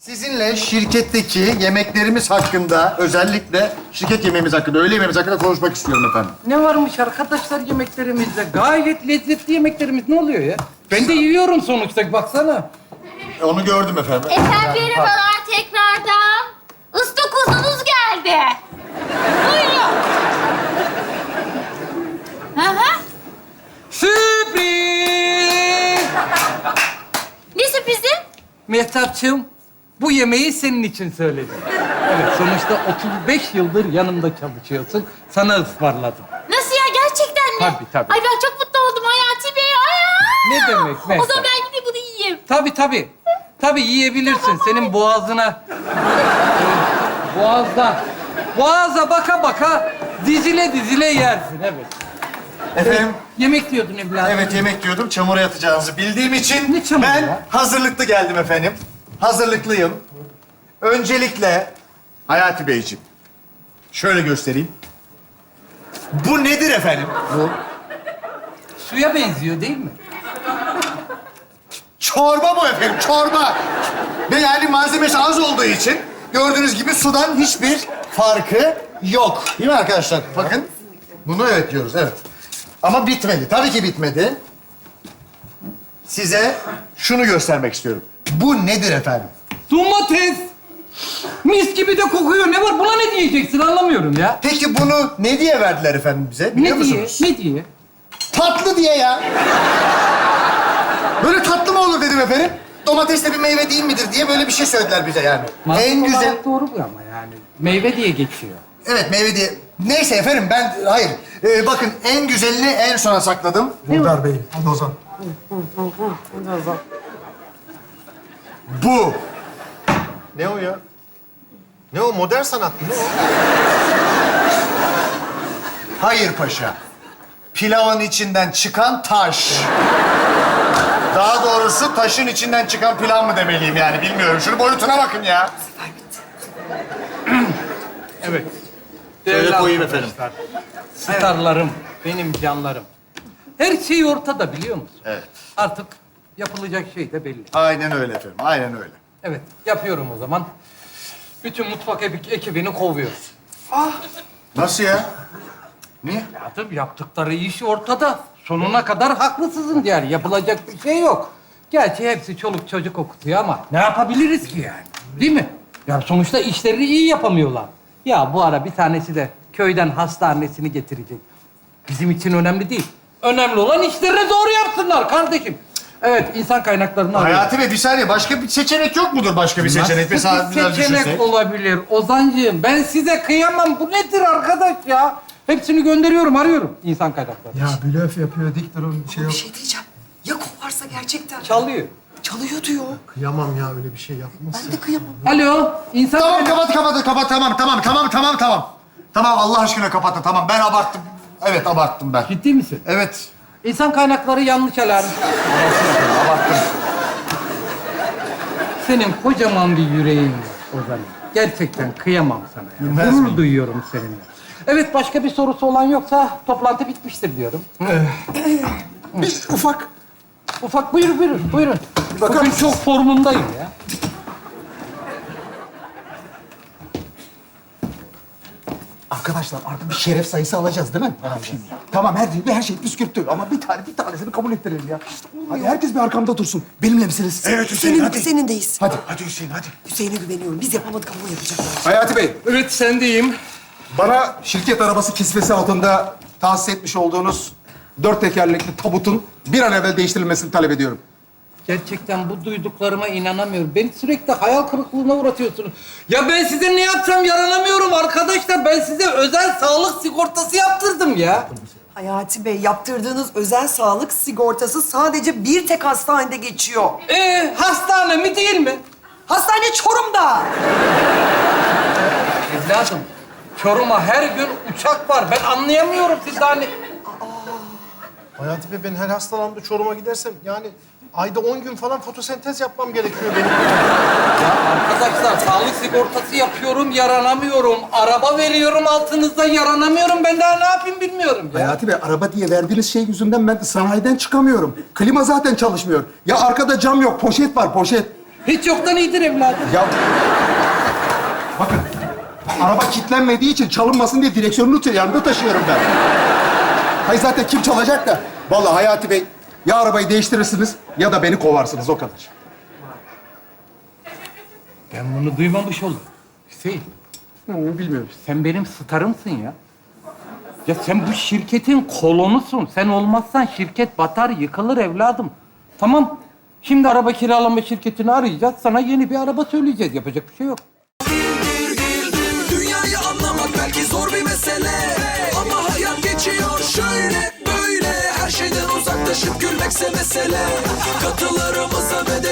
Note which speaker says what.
Speaker 1: Sizinle şirketteki yemeklerimiz hakkında, özellikle şirket yemeğimiz hakkında, öğle yemeğimiz hakkında konuşmak istiyorum efendim.
Speaker 2: Ne varmış arkadaşlar yemeklerimizde? Gayet lezzetli yemeklerimiz. Ne oluyor ya? Ben de yiyorum sonuçta. Baksana.
Speaker 1: Onu gördüm efendim.
Speaker 3: Efendim merhabalar tekrardan. Istakozunuz geldi. Buyurun. Hı hı.
Speaker 2: Sürpriz!
Speaker 3: Ne sürprizi?
Speaker 2: Mehtapçığım, bu yemeği senin için söyledim. Evet, sonuçta 35 yıldır yanımda çalışıyorsun. Sana ısmarladım.
Speaker 3: Nasıl ya gerçekten mi?
Speaker 2: Tabii.
Speaker 3: Ay ben çok mutlu oldum Hayati Bey. Ay.
Speaker 2: Ne demek
Speaker 3: O
Speaker 2: Mehtap?
Speaker 3: zaman ben gideyim bunu yiyeyim.
Speaker 2: Tabii. Tabii yiyebilirsin. Senin boğazına... Boğaza baka baka dizile yersin. Evet.
Speaker 1: Efendim,
Speaker 2: Yemek diyordun evladım.
Speaker 1: evet yemek diyordum. Çamura yatacağınızı bildiğim için
Speaker 2: Ne çamuru
Speaker 1: ben
Speaker 2: ya?
Speaker 1: hazırlıklı geldim efendim. Hazırlıklıyım. Öncelikle Hayati Beyciğim, şöyle göstereyim. Bu nedir efendim?
Speaker 2: Suya benziyor değil mi?
Speaker 1: Çorba bu efendim, çorba. Ve yani malzemesi az olduğu için gördüğünüz gibi sudan hiçbir farkı yok. Değil mi arkadaşlar? Bakın. Bunu evet diyoruz, evet. Ama bitmedi. Tabii ki bitmedi. Size şunu göstermek istiyorum. Bu nedir efendim?
Speaker 2: Domates. Mis gibi de kokuyor. Ne var? Buna ne diyeceksin? Anlamıyorum ya.
Speaker 1: Peki bunu ne diye verdiler efendim bize? Biliyor
Speaker 2: Ne diye?
Speaker 1: musunuz?
Speaker 2: Ne diye?
Speaker 1: Tatlı diye ya. Böyle tatlı mı olur dedim efendim. Domates de bir meyve değil midir diye böyle bir şey söylediler bize yani.
Speaker 2: Mantık
Speaker 1: En güzel...
Speaker 2: olarak doğru bu ama yani. Meyve diye geçiyor.
Speaker 1: Evet meyve diye. Neyse efendim ben... Hayır. Bakın en güzelini en sona sakladım.
Speaker 4: Muhtar Bey, hadi Ozan.
Speaker 1: Bu. Ne o ya? Ne o? Modern sanat mı? Ne o? Hayır paşa. Pilavın içinden çıkan taş. Daha doğrusu taşın içinden çıkan pilav mı demeliyim yani bilmiyorum. Şunun boyutuna bakın ya.
Speaker 2: Evet.
Speaker 1: Şöyle
Speaker 2: Değerli
Speaker 1: koyayım
Speaker 2: arkadaşlar, Starlarım, benim canlarım. Her şey ortada biliyor musun?
Speaker 1: Evet.
Speaker 2: Artık yapılacak şey de belli.
Speaker 1: Aynen öyle efendim. Aynen öyle.
Speaker 2: Evet, yapıyorum o zaman. Bütün mutfak ekibini kovuyoruz.
Speaker 1: Nasıl ya? Niye?
Speaker 2: Ya tabii yaptıkları iş ortada. Sonuna kadar haklısızın yani. Yapılacak bir şey yok. Gerçi hepsi çoluk çocuk okutuyor ama ne yapabiliriz ki yani? Değil mi? Ya sonuçta işlerini iyi yapamıyorlar. Ya bu ara bir tanesi de köyden hastanesini getirecek. Bizim için önemli değil. Önemli olan işlerini doğru yapsınlar kardeşim. Evet, insan kaynaklarını arıyorum.
Speaker 1: Hayati Bey bir saniye. Başka bir seçenek yok mudur? Başka bir seçenek. Mesela
Speaker 2: Nasıl bir
Speaker 1: biraz
Speaker 2: seçenek
Speaker 1: düşünsek.
Speaker 2: olabilir Ozan'cığım? Ben size kıyamam. Bu nedir arkadaş ya? Hepsini gönderiyorum, arıyorum insan kaynakları.
Speaker 4: Ya blöf yapıyor, dik durun, şey yok.
Speaker 5: Bir şey diyeceğim. Ya kovarsa gerçekten?
Speaker 2: Çalıyor.
Speaker 5: Çalıyor diyor.
Speaker 4: Kıyamam ya, öyle bir şey yapmasın.
Speaker 5: Ben de kıyamam.
Speaker 2: Alo, insan
Speaker 1: Tamam
Speaker 2: kaynak-
Speaker 1: kapat. Tamam. Tamam Allah aşkına kapatın. Tamam ben abarttım. Evet abarttım ben.
Speaker 2: Ciddi misin?
Speaker 1: Evet.
Speaker 2: İnsan kaynakları yanlış alarm.
Speaker 1: Abarttım.
Speaker 2: Senin kocaman bir yüreğin var Ozan. Gerçekten kıyamam sana. Ya.
Speaker 1: Bilmez
Speaker 2: Gurur
Speaker 1: miyim?
Speaker 2: duyuyorum seninle. Evet, başka bir sorusu olan yoksa toplantı bitmiştir diyorum.
Speaker 4: Bir ufak.
Speaker 2: Ufak buyurun.
Speaker 4: bakar
Speaker 2: Bugün
Speaker 4: mısınız?
Speaker 2: çok formundayım ya.
Speaker 6: Arkadaşlar artık bir şeref sayısı alacağız değil mi? Tamam her şey püskürttü ama bir tanesini kabul ettirelim ya. Hadi herkes bir arkamda dursun. Benimle misiniz?
Speaker 1: Evet Hüseyin hadi.
Speaker 5: Senindeyiz.
Speaker 1: Hadi Hüseyin hadi.
Speaker 5: Hüseyin'e güveniyorum. Biz yapamadık ama o yapacaklar.
Speaker 4: Hayati Bey,
Speaker 2: Evet, sendeyim.
Speaker 4: bana şirket arabası kisvesi altında tahsis etmiş olduğunuz 4 tekerlekli tabutun bir an evvel değiştirilmesini talep ediyorum.
Speaker 2: Gerçekten bu duyduklarıma inanamıyorum. Beni sürekli hayal kırıklığına uğratıyorsunuz. Ya ben size ne yapsam yaranamıyorum arkadaşlar. Ben size özel sağlık sigortası yaptırdım ya.
Speaker 5: Hayati Bey, yaptırdığınız özel sağlık sigortası sadece bir tek hastanede geçiyor.
Speaker 2: Hastane mi değil mi?
Speaker 5: Hastane Çorum'da.
Speaker 2: Evladım, Çorum'a her gün uçak var. Ben anlayamıyorum siz daha ne...
Speaker 7: Hayati Bey, ben her hastalandığımda Çorum'a gidersem yani ayda 10 gün falan fotosentez yapmam gerekiyor benim.
Speaker 2: Ya arkadaşlar, sağlık sigortası yapıyorum, yaranamıyorum. Araba veriyorum altınızda, yaranamıyorum. Ben daha ne yapayım bilmiyorum ya.
Speaker 6: Hayati Bey araba diye verdiğiniz şey yüzünden ben sanayiden çıkamıyorum. Klima zaten çalışmıyor. Ya arkada cam yok, poşet var, poşet.
Speaker 2: Hiç yoktan iyidir evladım.
Speaker 6: Ya bakın, araba kilitlenmediği için çalınmasın diye direksiyonunu yanımda taşıyorum ben. Hayır zaten kim çalacak da? Vallahi Hayati Bey, ya arabayı değiştirirsiniz ya da beni kovarsınız, o kadar.
Speaker 2: Ben bunu duymamış oldum. Hüseyin,
Speaker 6: Bilmiyorum.
Speaker 2: sen benim starımsın ya. Ya sen bu şirketin kolonusun. Sen olmazsan şirket batar, yıkılır evladım. Tamam, şimdi araba kiralama şirketini arayacağız. Sana yeni bir araba söyleyeceğiz. Yapacak bir şey yok.
Speaker 8: Dünyayı anlamak belki zor bir mesele, ama hayat geçiyor şöyle böyle. Her şeyden uzaklaşıp gülmekse mesele. Katılarımıza ve